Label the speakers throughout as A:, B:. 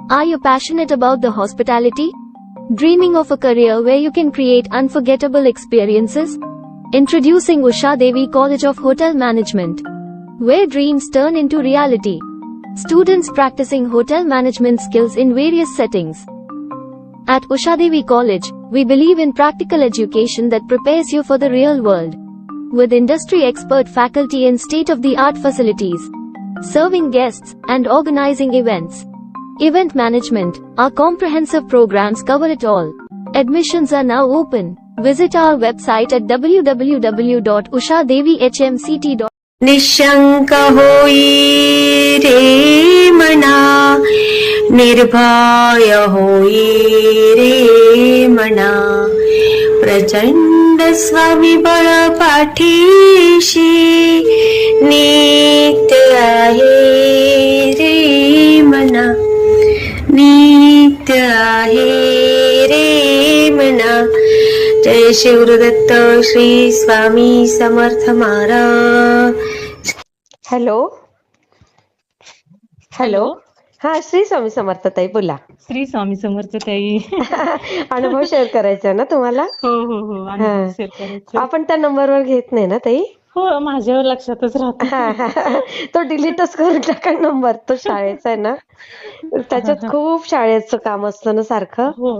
A: Are you passionate about the hospitality? Dreaming of a career where you can create unforgettable experiences? Introducing Usha Devi College of Hotel Management, where dreams turn into reality. Students practicing hotel management skills in various settings. At Usha Devi College, we believe in practical education that prepares you for the real world. With industry expert faculty and state-of-the-art facilities, serving guests, and organizing events. Event management, our comprehensive programs cover it all. Admissions are now open. Visit our website at www.ushadevihmct.com.
B: Nishank होई रे मना, निर्भय होई रे मना, प्रचंड स्वामीबळ पाठीशी नित्य आहे रे मना, नित्य आहे रे मना. जय शिवदत्त श्री स्वामी समर्थ महाराज. Hello hello. हा, श्री स्वामी समर्थ ताई बोला.
C: श्री स्वामी समर्थ ताई.
B: अनुभव शेअर करायचा ना तुम्हाला?
C: हो हो हो, अनुभव शेअर करायचा.
B: आपण त्या नंबरवर घेत नाही ना ताई?
C: हो, माझ्या लक्षातच राहतो.
B: तो डिलीटच करून टाका नंबर. तो शाळेचा आहे ना, त्याच्यात खूप शाळेचं काम असतं ना सारखं.
C: हो.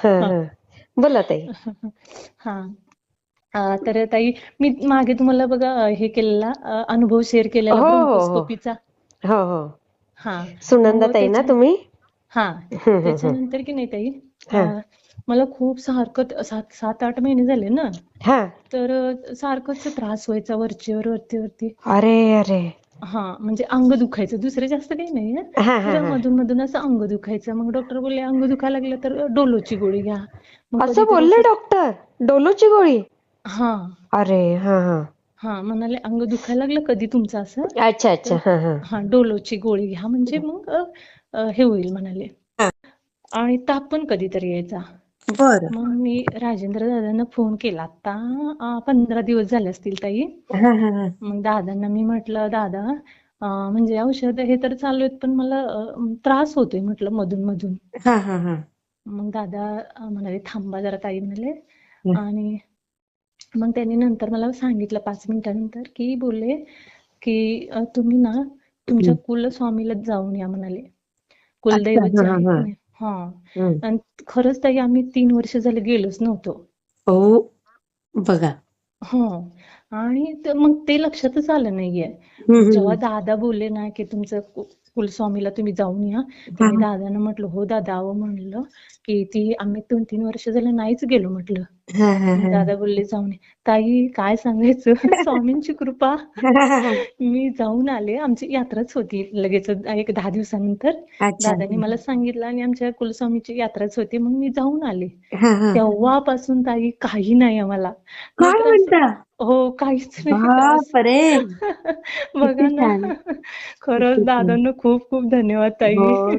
B: बोला ताई.
C: हा, तर ताई मी मागे तुम्हाला बघा हे केलेला अनुभव शेअर केलेला ब्रोंकोस्कोपीचा.
B: हो हो,
C: हा,
B: सुनंदा ताई ना तुम्ही?
C: हा, त्याच्यानंतर की नाही ताई, मला खूप सारखं 7-8 महिने झाले ना, तर सारखंच त्रास व्हायचा वरचीवर वरती.
B: अरे अरे.
C: हा, म्हणजे अंग दुखायचं, दुसरं जास्त काही नाही. मधून मधून असं अंग दुखायचं. मग डॉक्टर बोलले अंग दुखायला लागलं तर डोलोची गोळी घ्या.
B: असं बोलले डॉक्टर? डोलोची गोळी?
C: हा.
B: अरे
C: हा, म्हणाले अंग दुखायला लागलं कधी तुमचं असं.
B: अच्छा अच्छा.
C: हा, डोलोची गोळी घ्या म्हणजे मग हे होईल म्हणाले. आणि ताप पण कधीतरी यायचा. मग मी राजेंद्र दादांना फोन केला. आता 15 दिवस झाले असतील ताई. मग दादांना मी म्हटलं, दादा म्हणजे औषध हे तर चालू आहेत पण मला त्रास होतोय म्हटलं मधून मधून. मग दादा म्हणाले थांबा जरा ताई म्हणाले. आणि मग त्यांनी नंतर मला सांगितलं 5 मिनिटानंतर की बोलले की तुम्ही ना तुमच्या कुलस्वामीला जाऊन या म्हणाले. कुलदैवत जे आहे. हा, आणि खरंच ताई आम्ही 3 वर्ष झाले गेलोच नव्हतो.
B: हो बघा.
C: हो, आणि मग ते लक्षातच आलं नाहीये. जेव्हा दादा बोलले ना की तुमचं कुलस्वामीला तुम्ही जाऊन या, तर मी दादांना म्हटलं हो दादा, अहो म्हणलं की ती आम्ही 2-3 वर्ष झालं नाहीच गेलो म्हटलं. दादा बोलले जाऊन. ताई काय सांगायचं, स्वामींची कृपा. मी जाऊन आले. आमची यात्राच होती लगेच 1-10 दिवसानंतर. दादांनी मला सांगितलं आणि आमच्या कुलस्वामीची यात्राच होती. मग मी जाऊन आले. तेव्हापासून ताई काही नाही आम्हाला. हो, काहीच नाही. बघा ना, खरंच दादांना खूप खूप धन्यवाद ताई.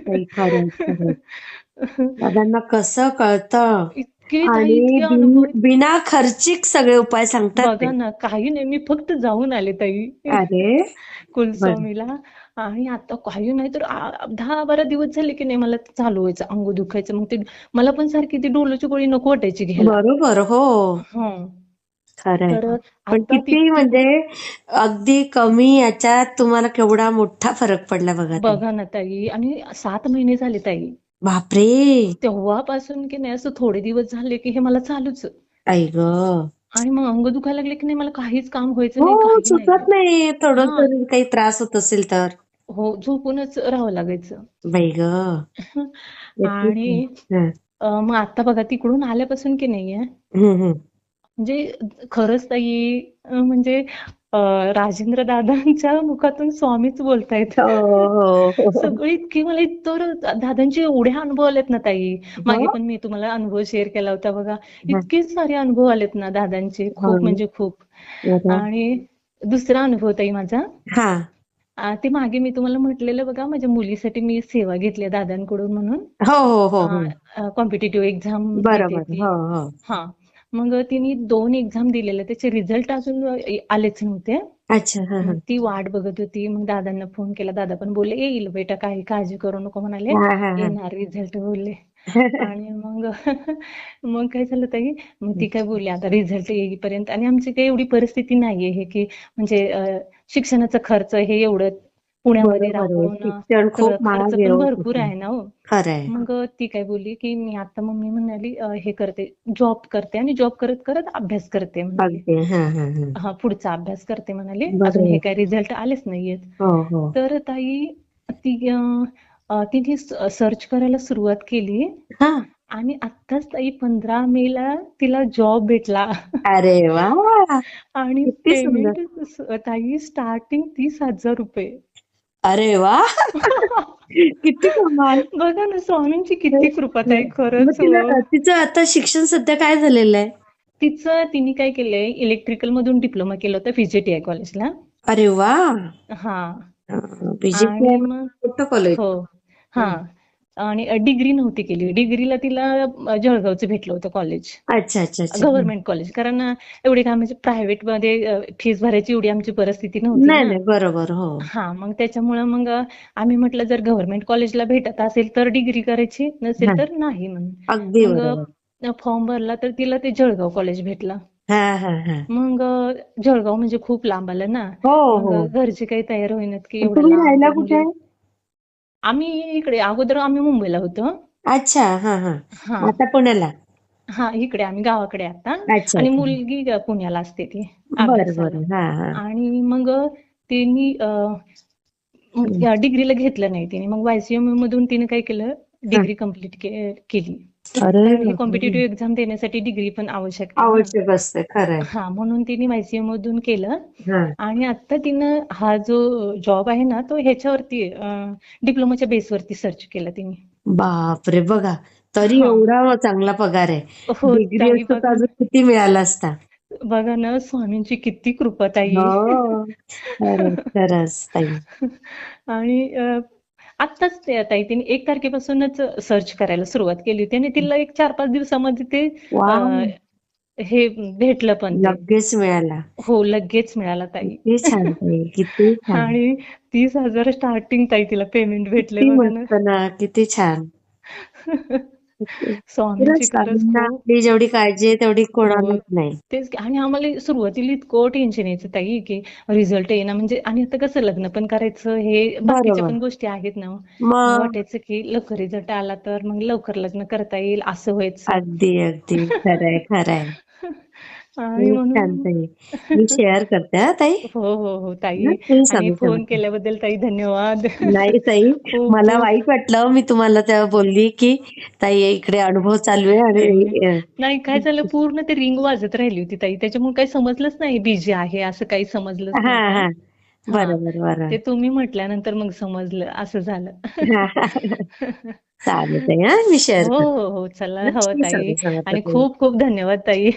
B: दादांना कसं कळतं
C: इतके
B: बिना खर्चिक सगळे उपाय सांगतात.
C: बघा ना, काही नाही, मी फक्त जाऊन आले ताई.
B: अरे
C: कुलस्वामीला. आणि आता काही नाही तर 10-12 दिवस झाले की नाही मला चालू व्हायचं अंग दुखायचं. मग ते मला पण सारखी ती डोलोची गोळी नको वाटायची घ्यायला.
B: बरोबर. हो खरंय. पण किती म्हणजे अगदी कमी याच्यात तुम्हाला केवढा मोठा फरक पडला बघा
C: ना ताई. आणि 7 महिने झाले ताई.
B: बापरे.
C: तेव्हापासून की नाही असं थोडे दिवस झाले की हे मला चालूच.
B: आई ग.
C: आणि मग अंग दुखायला लागले की नाही मला काहीच काम व्हायचं नाही.
B: सुचत नाही. थोडं जरी काही त्रास होत असेल तर
C: हो, झोपूनच राहावं लागायचं.
B: बाई ग.
C: आणि मग आता बघा तिकडून आल्यापासून की नाहीये, म्हणजे खरंच ताई, म्हणजे राजेंद्र दादांच्या मुखातून स्वामीच बोलतायत. सगळी इतकी मला तर दादांचे एवढे अनुभव आलेत ना ताई. मागे पण मी तुम्हाला अनुभव शेअर केला होता बघा. इतके सारे अनुभव आलेत ना दादांचे, खूप म्हणजे खूप. आणि दुसरा अनुभव ताई माझा, ते मागे मी तुम्हाला म्हटलेलं बघा, माझ्या मुलीसाठी मी सेवा घेतली दादांकडून म्हणून. Competitive exam. हा, मग तिने 2 एक्झाम दिलेल्या, त्याचे रिझल्ट अजून आलेच नव्हते.
B: अच्छा. हा हा
C: मग ती वाट बघत होती. मग दादांना फोन केला, दादा पण बोलले येईल बेटा, काही काळजी करू नको म्हणाले,
B: हा हा हा
C: येणार रिझल्ट बोलले. आणि मग मग काय झालं ताई, मग ती काय बोलली आता रिझल्ट येईपर्यंत, आणि आमची काही एवढी परिस्थिती नाहीये हे की म्हणजे शिक्षणाचा खर्च हे एवढं पुण्यामध्ये
B: बरोबर आहे.
C: राहून
B: शिक्षण
C: सगळं
B: खूप
C: खर्च
B: महाग आहे
C: पण
B: हो
C: भरपूर
B: तिथे.
C: आहे ना हो.
B: खरंय.
C: मग ती काय बोलली की मी आता, मम्मी म्हणाली हे करते, जॉब करते आणि जॉब करत करत अभ्यास करते म्हणाली.
B: अगदी. हा हा हा
C: हा, पुढचा अभ्यास करते म्हणाली, अजून हे
B: बरोबर.
C: काय रिझल्ट आलेच नाहीयेत.
B: हो हो
C: तर ताई ती तिने सर्च करायला सुरुवात केली,
B: हा.
C: आणि आत्ताच ताई 15 मेला तिला जॉब भेटला.
B: अरे वा,
C: आणि
B: किती सुंदर.
C: पेमेंट ताई स्टार्टिंग 30,000 रुपये.
B: अरे वा. किती कमाल.
C: बघा ना, स्वामींची किती कृपा ताई,
B: मग
C: खरंच
B: तिला
C: हो.
B: तिचं आता शिक्षण सध्या काय झालेलं आहे?
C: तिने काय केलंय, इलेक्ट्रिकल मधून डिप्लोमा केलं होतं VJTI कॉलेजला.
B: अरे वा.
C: हा,
B: बीजेपी
C: आणि मग
B: मोठं कॉलेज.
C: हो, हा, आणि डिग्री नव्हती केली. डिग्रीला तिला जळगावचं भेटलं होतं कॉलेज,
B: अच्छा अच्छा अच्छा.
C: Government college. कारण एवढी काय म्हणजे प्रायव्हेट मध्ये फीस भरायची एवढी आमची परिस्थिती नव्हती
B: नाही
C: ना.
B: नाही, बरोबर. हो.
C: हा, मग त्याच्यामुळं मग आम्ही म्हटलं जर गव्हर्नमेंट कॉलेजला भेटत असेल तर डिग्री करायची, नसेल
B: हा,
C: तर नाही म्हणून.
B: अगदी
C: मग
B: बरोबर.
C: फॉर्म भरला तर तिला ते जळगाव कॉलेज भेटलं.
B: हा हा हा.
C: मग जळगाव म्हणजे खूप लांब आलं ना.
B: हो
C: मग
B: हो.
C: घरचे काही तयार होईनात की एवढं
B: तुम्ही
C: लांब
B: राहायला कुठे
C: मुली.
B: आहे?
C: आम्ही इकडे अगोदर आम्ही मुंबईला होतो.
B: अच्छा. हा हा.
C: हा
B: आता पुण्याला.
C: हा, इकडे आम्ही गावाकडे आता.
B: अच्छा
C: आणि
B: अच्छा.
C: मुलगी पुण्याला असते ती
B: बरं
C: अभ्यासाला.
B: बरं. हा हा.
C: आणि मग तिने डिग्रीला घेतलं नाही तिने. मग YCM मधून तिने काय केलं,
B: हा.
C: डिग्री कम्प्लीट केली.
B: अरे
C: कारण की
B: बापरे.
C: कॉम्पिटिटिव्ह एक्झाम देण्यासाठी डिग्री पण आवश्यक आहे ना.
B: आवश्यक असते. खरंय.
C: हा, म्हणून तिने YCM मधून केलं.
B: हा.
C: आणि आता तिनं हा जो जॉब आहे ना, तो ह्याच्यावरती डिप्लोमाच्या बेसवरती सर्च केला तिने.
B: बापरे, बघा तरी
C: हा,
B: एवढा चांगला पगार आहे.
C: हो
B: डिग्री
C: ताई,
B: असतं तर
C: बघा
B: अजून किती मिळाला असता.
C: बघा ना, स्वामींची किती कृपा ताई.
B: हो. खरंच खरंच ताई.
C: आणि आत्ताच ताई तिने 1 तारखेपासूनच सर्च करायला सुरुवात केली होती, आणि तिला एक 4-5 दिवसामध्ये ते
B: वा,
C: हे भेटलं पण ते.
B: लगेच मिळाला.
C: हो, लगेच मिळाला ताई.
B: किती छान ताई, किती छान.
C: आणि 30,000 स्टार्टिंग ताई तिला पेमेंट भेटले,
B: किती
C: बघा ना.
B: मस्त ना, किती छान. खरंच
C: स्वामींची खरंच
B: स्वामींना
C: खूप.
B: आपली जेवढी काळजी आहे तेवढी
C: हो,
B: कोणालाच नाही.
C: तेच की. आणि आम्हाला सुरुवातीला इतकं टेन्शन यायचं ताई की रिझल्ट येईना म्हणजे, आणि आता कसं लग्न पण करायचं, हे बाकीच्या
B: बरोबर.
C: पण गोष्टी आहेत ना. मग
B: मग
C: वाटायचं की लवकर रिझल्ट आला तर मग लवकर लग्न करता येईल, असं व्हायचं.
B: अगदी अगदी खरंय खरंय.
C: आणि
B: खूप छान
C: म्हणून
B: ताई. मी शेअर करते हा ताई.
C: हो हो हो ताई.
B: ना, श्री
C: आणि
B: स्वामी
C: फोन
B: समर्थ.
C: केल्याबद्दल ताई धन्यवाद.
B: नाही ताई,
C: खूप
B: मला
C: खूप.
B: वाईट वाटलं. मी तुम्हाला तेव्हा बोलली की ताई इकडे अनुभव चालू आहे
C: नाही
B: आणि
C: नाही, काय झालं, पूर्ण ते रिंग वाजत राहिली होती ताई, त्याच्यामुळे काही समजलंच नाही बिझी आहे असं, काही समजलंच
B: हा
C: नव्हतं.
B: हा.
C: हा,
B: बरोबर बरोबर.
C: ते तुम्ही म्हटल्यानंतर मग समजलं, असं झालं.
B: हा, हा. चालेल ताई, हा मी शेअर
C: हो
B: करते.
C: हो हो, चला, हो
B: श्री
C: ताई.
B: स्वामी समर्थ
C: आणि
B: ताई.
C: खूप खूप धन्यवाद ताई.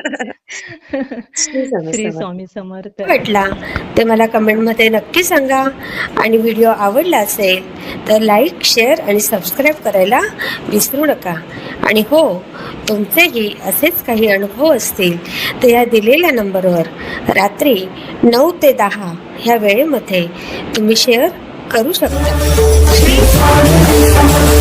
B: श्री स्वामी
C: श्री
B: समर्थ.
C: स्वामी समर्थ.
B: वाटला ते मला कमेंटमध्ये नक्की सांगा. आणि व्हिडिओ आवडला असेल तर लाईक, शेअर आणि सबस्क्राईब करायला विसरू नका. आणि हो, तुमचेही असेच काही अनुभव असतील तर या दिलेल्या नंबरवर रात्री 9 ते 10 ह्या वेळेमध्ये तुम्ही शेअर करू शकता.